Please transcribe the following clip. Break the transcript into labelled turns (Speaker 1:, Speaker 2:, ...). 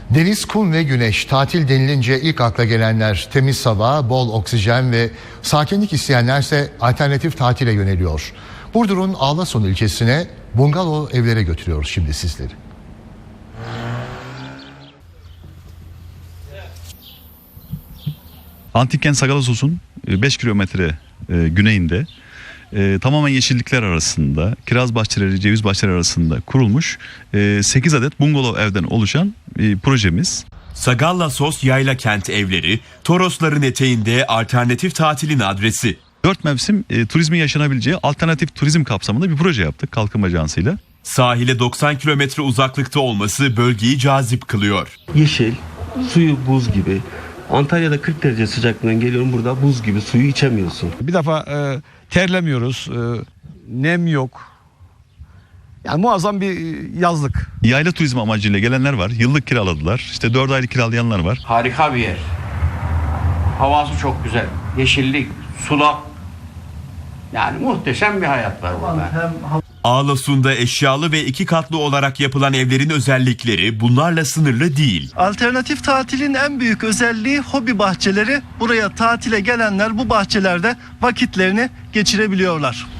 Speaker 1: Deniz, kum ve güneş, tatil denilince ilk akla gelenler temiz hava, bol oksijen ve sakinlik isteyenlerse alternatif tatile yöneliyor. Burdur'un Ağlason ilçesine bungalov evlere götürüyoruz şimdi sizleri.
Speaker 2: Antik kent Sagalassos'un 5 kilometre güneyinde tamamen yeşillikler arasında, kiraz bahçeleri, ceviz bahçeleri arasında kurulmuş 8 adet bungalov evden oluşan projemiz.
Speaker 3: Sagallassos Yayla Kent Evleri, Torosların eteğinde alternatif tatilin adresi.
Speaker 2: 4 mevsim turizmin yaşanabileceği alternatif turizm kapsamında bir proje yaptık Kalkınma Ajansı'yla.
Speaker 3: Sahile 90 kilometre uzaklıkta olması bölgeyi cazip kılıyor.
Speaker 4: Yeşil, suyu buz gibi. Antalya'da 40 derece sıcaklığından geliyorum, burada buz gibi suyu içemiyorsun.
Speaker 5: Bir defa terlemiyoruz, nem yok. Yani muazzam bir yazlık.
Speaker 2: Yayla turizmi amacıyla gelenler var. Yıllık kiraladılar. İşte 4 aylık kiralayanlar var.
Speaker 6: Harika bir yer. Havası çok güzel. Yeşillik, sulak. Yani muhteşem bir hayat var burada.
Speaker 3: Ağlasun'da eşyalı ve 2 katlı olarak yapılan evlerin özellikleri bunlarla sınırlı değil.
Speaker 7: Alternatif tatilin en büyük özelliği hobi bahçeleri. Buraya tatile gelenler bu bahçelerde vakitlerini geçirebiliyorlar.